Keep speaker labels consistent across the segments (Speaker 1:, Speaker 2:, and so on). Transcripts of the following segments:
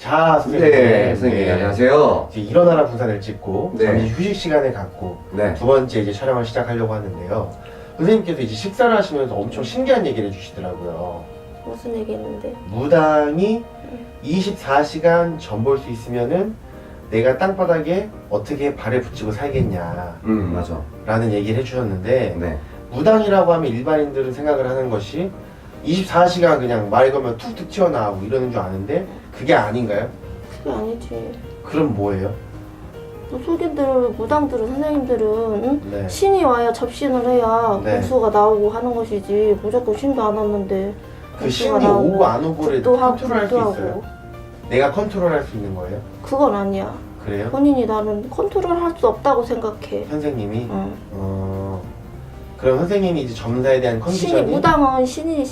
Speaker 1: 자, 선생님.
Speaker 2: 네, 선생님 안녕하세요.
Speaker 1: 이제 일어나라 분산을 찍고
Speaker 2: 네.
Speaker 1: 잠시 휴식 시간을 갖고
Speaker 2: 네.
Speaker 1: 두 번째 이제 촬영을 시작하려고 하는데요. 선생님께서 이제 식사를 하시면서 엄청 신기한 얘기를 해주시더라고요.
Speaker 3: 무슨 얘기 했는데?
Speaker 1: 무당이 24시간 전 볼 수 있으면은 내가 땅바닥에 어떻게 발을 붙이고 살겠냐
Speaker 2: 맞아.
Speaker 1: 라는 얘기를 해주셨는데
Speaker 2: 네.
Speaker 1: 무당이라고 하면 일반인들은 생각을 하는 것이 24시간 그냥 말 걸면 툭툭 튀어나오고 이러는 줄 아는데 그게 아닌가요?
Speaker 3: 그게 아니지.
Speaker 1: 그럼 뭐예요?
Speaker 3: 무속인들, 무당들은, 선생님들은 응?
Speaker 1: 네.
Speaker 3: 신이 와야 접신을 해야
Speaker 1: 네.
Speaker 3: 공수가 나오고 하는 것이지 무조건 신도 안 왔는데
Speaker 1: 그
Speaker 3: 공수가
Speaker 1: 신이 오고 안 오고를
Speaker 3: 또 하고
Speaker 1: 컨트롤할 수
Speaker 3: 또
Speaker 1: 있어요?
Speaker 3: 하고.
Speaker 1: 내가 컨트롤할 수 있는 거예요?
Speaker 3: 그건 아니야.
Speaker 1: 그래요?
Speaker 3: 본인이 나는 컨트롤할 수 없다고 생각해.
Speaker 1: 선생님이?
Speaker 3: 응.
Speaker 1: 그럼 선생님이 이제 점사에 대한 컨디션이
Speaker 3: 신이 무당은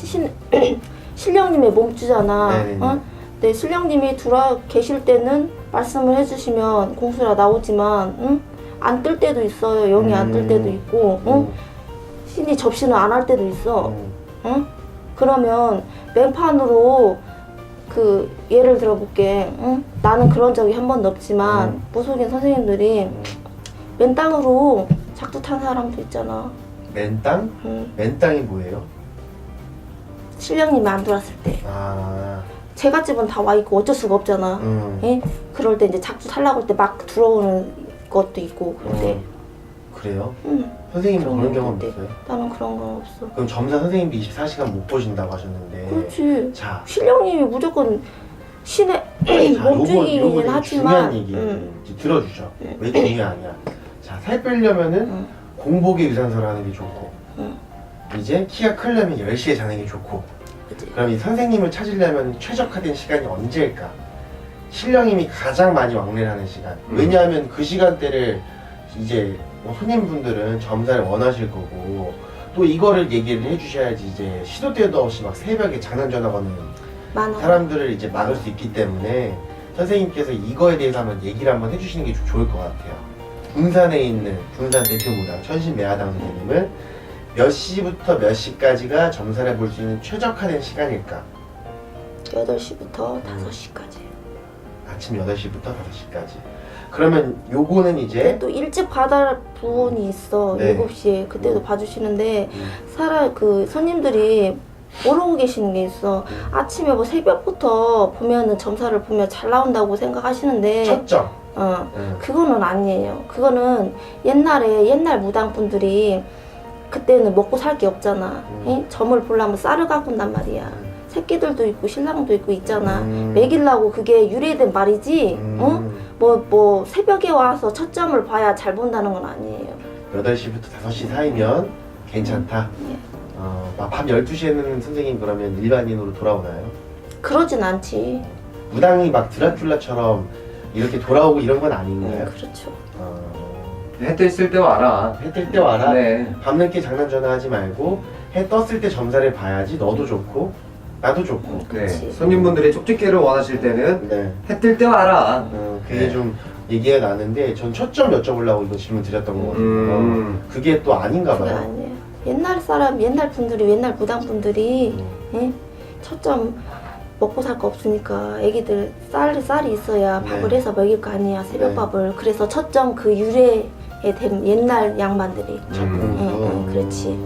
Speaker 3: 신령님의 몸주잖아.
Speaker 1: 네네네.
Speaker 3: 응? 네, 신령님이 들어 계실 때는 말씀을 해주시면 공수라 나오지만 응? 안 뜰 때도 있어요. 영이 안 뜰 때도 있고 응? 신이 접신을 안 할 때도 있어. 응? 그러면 맹판으로 그 예를 들어볼게. 응? 나는 그런 적이 한 번도 없지만 무속인 선생님들이 맨땅으로 작두 탄 사람도 있잖아.
Speaker 1: 맨땅?
Speaker 3: 응.
Speaker 1: 맨땅이 뭐예요?
Speaker 3: 신령님이 안 들어왔을 때.
Speaker 1: 아,
Speaker 3: 제갓집은 다 와 있고 어쩔 수가 없잖아. 예? 그럴 때 이제 작두 살라고 할 때 막 들어오는 것도 있고 그런데.
Speaker 1: 그래요?
Speaker 3: 응.
Speaker 1: 선생님은 그런
Speaker 3: 그런
Speaker 1: 경험
Speaker 3: 건데.
Speaker 1: 없어요?
Speaker 3: 나는 그런 건 없어.
Speaker 1: 그럼 점사 선생님도 24시간 못 보신다고 하셨는데
Speaker 3: 그렇지.
Speaker 1: 자,
Speaker 3: 신령님이 무조건 신의
Speaker 1: 요거
Speaker 3: 몸중이긴
Speaker 1: 되게
Speaker 3: 하지만.
Speaker 1: 중요한 얘기예요.
Speaker 3: 응.
Speaker 1: 이제 들어주죠. 왜 중요하냐? 자, 살 빼려면은
Speaker 3: 응.
Speaker 1: 공복에 유산소를 하는 게 좋고
Speaker 3: 응.
Speaker 1: 이제 키가 크려면 10시에 자는 게 좋고
Speaker 3: 그치.
Speaker 1: 그럼 이 선생님을 찾으려면 최적화된 시간이 언제일까? 신령님이 가장 많이 왕래를 하는 시간. 왜냐하면 그 시간대를 이제 뭐 손님분들은 점사를 원하실 거고 또 이거를 얘기를 해주셔야지 이제 시도 때도 없이 막 새벽에 장난 전화 거는
Speaker 3: 많아.
Speaker 1: 사람들을 이제 막을 수 있기 때문에 선생님께서 이거에 대해서 한번 얘기를 한번 해주시는 게 좀 좋을 것 같아요. 군산에 있는 군산 대표무당 천신매화당 선생님은 몇 시부터 몇 시까지가 점사를 볼 수 있는 최적화된 시간일까?
Speaker 3: 8시부터 5시까지.
Speaker 1: 아침 8시부터 5시까지. 그러면 요거는 이제
Speaker 3: 또 일찍 받을 부분이 있어.
Speaker 1: 네.
Speaker 3: 7시에 그때도 봐주시는데 그 손님들이 모르고 계시는 게 있어. 아침에 뭐 새벽부터 보면은 점사를 보면 잘 나온다고 생각하시는데
Speaker 1: 첫점.
Speaker 3: 그거는 아니에요. 그거는 옛날 무당분들이 그때는 먹고 살 게 없잖아. 예? 점을 보려면 쌀을 갖고 온단 말이야. 새끼들도 있고 신랑도 있고 있잖아. 먹이려고 그게 유래된 말이지. 뭐 새벽에 와서 첫 점을 봐야 잘 본다는 건 아니에요.
Speaker 1: 8시부터 5시 사이면 괜찮다. 밤 12시에는 선생님 그러면 일반인으로 돌아오나요?
Speaker 3: 그러진 않지.
Speaker 1: 무당이 막 드라큘라처럼 이렇게 돌아오고 이런 건 아닌가요?
Speaker 3: 그렇죠.
Speaker 2: 해 뜰 때 와라.
Speaker 1: 해 뜰 때 와라.
Speaker 2: 네.
Speaker 1: 밤늦게 장난 전화하지 말고 해 떴을 때 점사를 봐야지 너도 좋고 나도 좋고.
Speaker 2: 네.
Speaker 3: 그렇지.
Speaker 2: 손님분들이 쪽집게를 원하실 때는
Speaker 1: 네.
Speaker 2: 해 뜰 때 와라.
Speaker 1: 그게
Speaker 2: 네.
Speaker 1: 좀 얘기가 나는데 전 초점 여쭤보려고 이거 질문 드렸던 거거든요. 그게 또 아닌가
Speaker 3: 그게
Speaker 1: 봐요.
Speaker 3: 아니에요. 옛날 분들이 옛날 무당분들이 예? 첫점 먹고 살 거 없으니까 애기들 쌀이 있어야 밥을
Speaker 1: 네.
Speaker 3: 해서 먹일 거 아니야. 새벽밥을. 그래서 첫점 그 유래에 된 옛날 양반들이. 그렇지.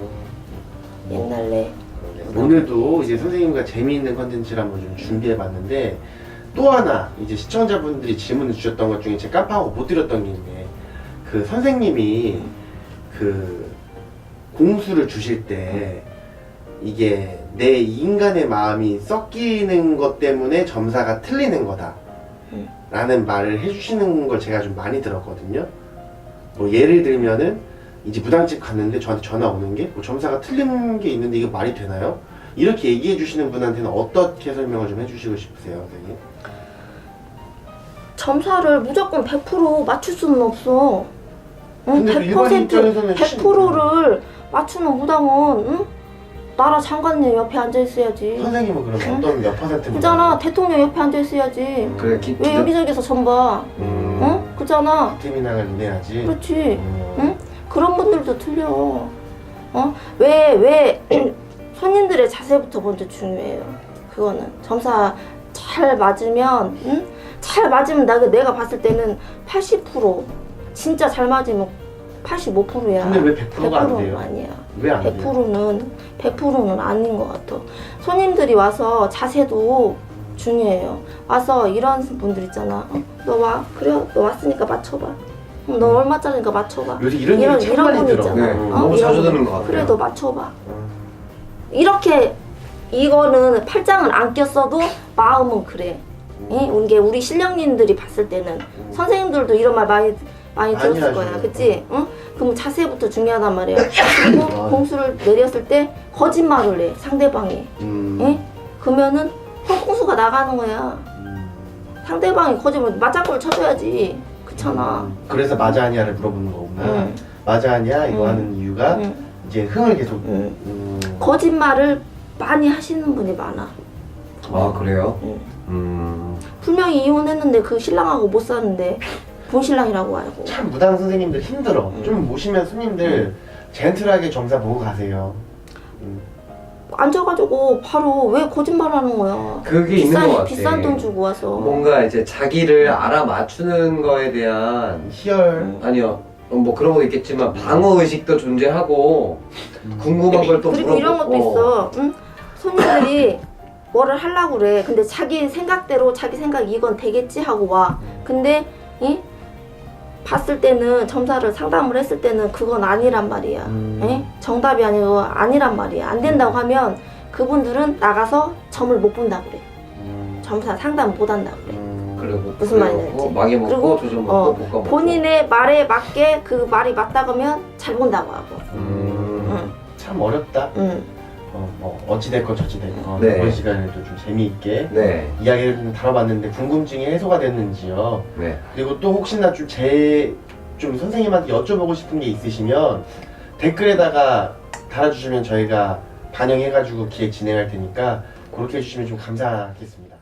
Speaker 3: 옛날에.
Speaker 1: 오늘도 이제 선생님과 재미있는 컨텐츠를 한번 좀 준비해봤는데 또 하나 이제 시청자분들이 질문을 주셨던 것 중에 제가 깜빡하고 못 드렸던 게 있는데 그 선생님이 그 공수를 주실 때 이게 내 인간의 마음이 섞이는 것 때문에 점사가 틀리는 거다 라는 말을 해주시는 걸 제가 좀 많이 들었거든요. 뭐 예를 들면은 이제 무당집 갔는데 저한테 전화 오는 게 뭐 점사가 틀린 게 있는데 이거 말이 되나요? 이렇게 얘기해 주시는 분한테는 어떻게 설명을 좀 해주시고 싶으세요, 선생님?
Speaker 3: 점사를 무조건 100% 맞출 수는 없어. 응?
Speaker 1: 근데 그 일반인
Speaker 3: 100%,
Speaker 1: 입장에서는
Speaker 3: 100%를 맞추는 무당은 응? 나라 장관님 옆에 앉아 있어야지.
Speaker 1: 선생님은 그러면 어떤 몇 퍼센트?
Speaker 3: 그잖아. 대통령 옆에 앉아 있어야지.
Speaker 2: 그래,
Speaker 3: 왜 여기저기서 점 봐? 응? 그잖아.
Speaker 1: 태민왕을 인해야지.
Speaker 3: 그렇지. 응? 그런 분들도 틀려. 왜 손님들의 자세부터 먼저 중요해요. 그거는 점사 잘 잘 맞으면 응? 잘 맞으면 내가 봤을 때는 80% 진짜 잘 맞으면 85%야.
Speaker 1: 근데 왜 100%가 안 돼요?
Speaker 3: 아니야.
Speaker 1: 왜 안 돼요?
Speaker 3: 100%는 아닌 것 같아. 손님들이 와서 자세도 중요해요. 와서 이런 분들 있잖아. 너 와. 그래. 너 왔으니까 맞춰봐. 너 얼마짜리니까 맞춰봐.
Speaker 1: 요새 이런 얘기 참
Speaker 3: 이런
Speaker 1: 많이
Speaker 3: 분
Speaker 1: 들어.
Speaker 3: 있잖아.
Speaker 2: 네, 너무 자주
Speaker 3: 이런
Speaker 2: 듣는 것 같아요.
Speaker 3: 그래 너 맞춰봐. 이렇게 이거는 팔짱을 안 꼈어도 마음은 그래. 우리 신령님들이 봤을 때는 선생님들도 이런 말 많이 들었을
Speaker 1: 하죠.
Speaker 3: 거야, 그치? 응? 그럼 자세부터 중요하단 말이야. 그리고
Speaker 1: 맞아.
Speaker 3: 공수를 내렸을 때 거짓말을 해, 상대방이. 예? 그러면은 홍콩수가 나가는 거야. 상대방이 거짓말, 맞장구를 쳐줘야지. 그렇잖아.
Speaker 1: 그래서 맞아 아니야를 물어보는 거구나.
Speaker 3: 응.
Speaker 1: 맞아 아니야 이거
Speaker 3: 응.
Speaker 1: 하는 이유가
Speaker 3: 응.
Speaker 1: 이제 흥을 계속.
Speaker 3: 응. 거짓말을 많이 하시는 분이 많아.
Speaker 2: 아 그래요?
Speaker 3: 응. 분명히 이혼했는데 그 신랑하고 못 사는데 본 신랑이라고 알고.
Speaker 1: 참 무당 선생님들 힘들어.
Speaker 3: 응.
Speaker 1: 좀 모시면 손님들 젠틀하게 점사 보고 가세요.
Speaker 3: 앉아가지고 바로 왜 거짓말하는 거야?
Speaker 2: 그게 있는 것 같아.
Speaker 3: 비싼 돈 주고 와서.
Speaker 2: 뭔가 이제 자기를 알아맞추는 거에 대한
Speaker 1: 희열.
Speaker 2: 아니요 뭐 그런 거 있겠지만 방어 의식도 존재하고 궁금한 걸 또 물어보고.
Speaker 3: 그리고 이런 것도 있어. 응? 손님들이 뭐를 하려고 그래. 근데 자기 생각대로 자기 생각 이건 되겠지 하고 와. 근데 봤을 때는 점사를 상담을 했을 때는 그건 아니란 말이야. 정답이 아니고 아니란 말이야. 안 된다고 하면 그분들은 나가서 점을 못 본다고 그래. 점사 상담 못 한다고 그래.
Speaker 2: 그리고
Speaker 3: 무슨 말인지 알지?
Speaker 2: 망해 먹고
Speaker 3: 그리고,
Speaker 2: 조점 먹고 볶아 먹고.
Speaker 3: 본인의 말에 맞게 그 말이 맞다 그러면 잘 본다고 하고.
Speaker 1: 참 어렵다. 뭐 어찌됐건 저찌됐건
Speaker 2: 네.
Speaker 1: 이번 시간에도 좀 재미있게
Speaker 2: 네.
Speaker 1: 이야기를 좀 다뤄봤는데 궁금증이 해소가 됐는지요.
Speaker 2: 네.
Speaker 1: 그리고 또 혹시나 좀 선생님한테 여쭤보고 싶은 게 있으시면 댓글에다가 달아주시면 저희가 반영해가지고 기획 진행할 테니까 그렇게 해주시면 좀 감사하겠습니다.